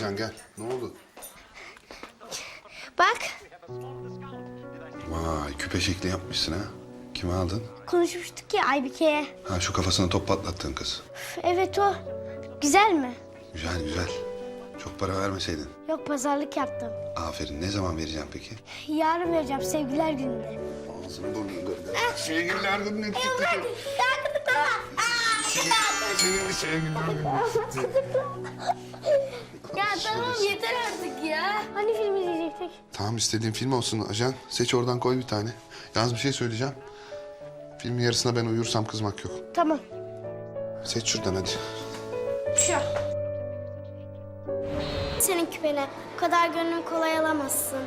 Ajan gel. Ne oldu? Bak, Vay küpe şekli yapmışsın ha. Kime aldın? konuşmuştuk ya Aybike'ye. Ha şu kafasına top patlattığın kız. Evet o. Güzel mi? Güzel güzel. Çok para vermeseydin. Yok, pazarlık yaptım. Aferin. Ne zaman vereceğim peki? Yarın vereceğim, sevgiler gününde. Ağzını burnunu kırdı. Sevgililer gününe gitti. Senin sevgililer günü. Ya tamam, yeter artık ya. Hani film izleyecektik? Tamam istediğin film olsun ajan. Seç oradan koy bir tane. Yalnız bir şey söyleyeceğim. Filmin yarısına ben uyursam kızmak yok. Tamam. Seç şuradan hadi. Şu. Senin küpene bu kadar gönlüm kolay alamazsın.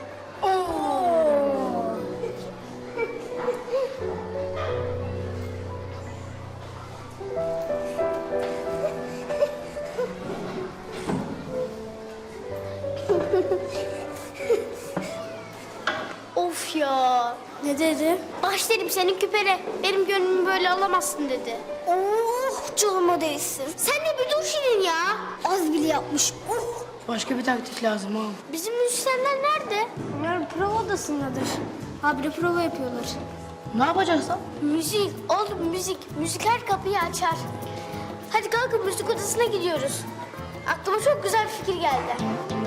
Of ya. Ne dedi? Baş dedim senin küpene. Benim gönlümü böyle alamazsın dedi. Oh, canıma değsin. Sen de bir dur Şirin ya. Az bile yapmış. Oh. Başka bir taktik lazım abi. Bizim müzisyenler nerede? Onlar prova odasındadır. Habire prova yapıyorlar. Ne yapacağız lan? Müzik, oğlum müzik. Müzik her kapıyı açar. Hadi kalkın, müzik odasına gidiyoruz. Aklıma çok güzel bir fikir geldi.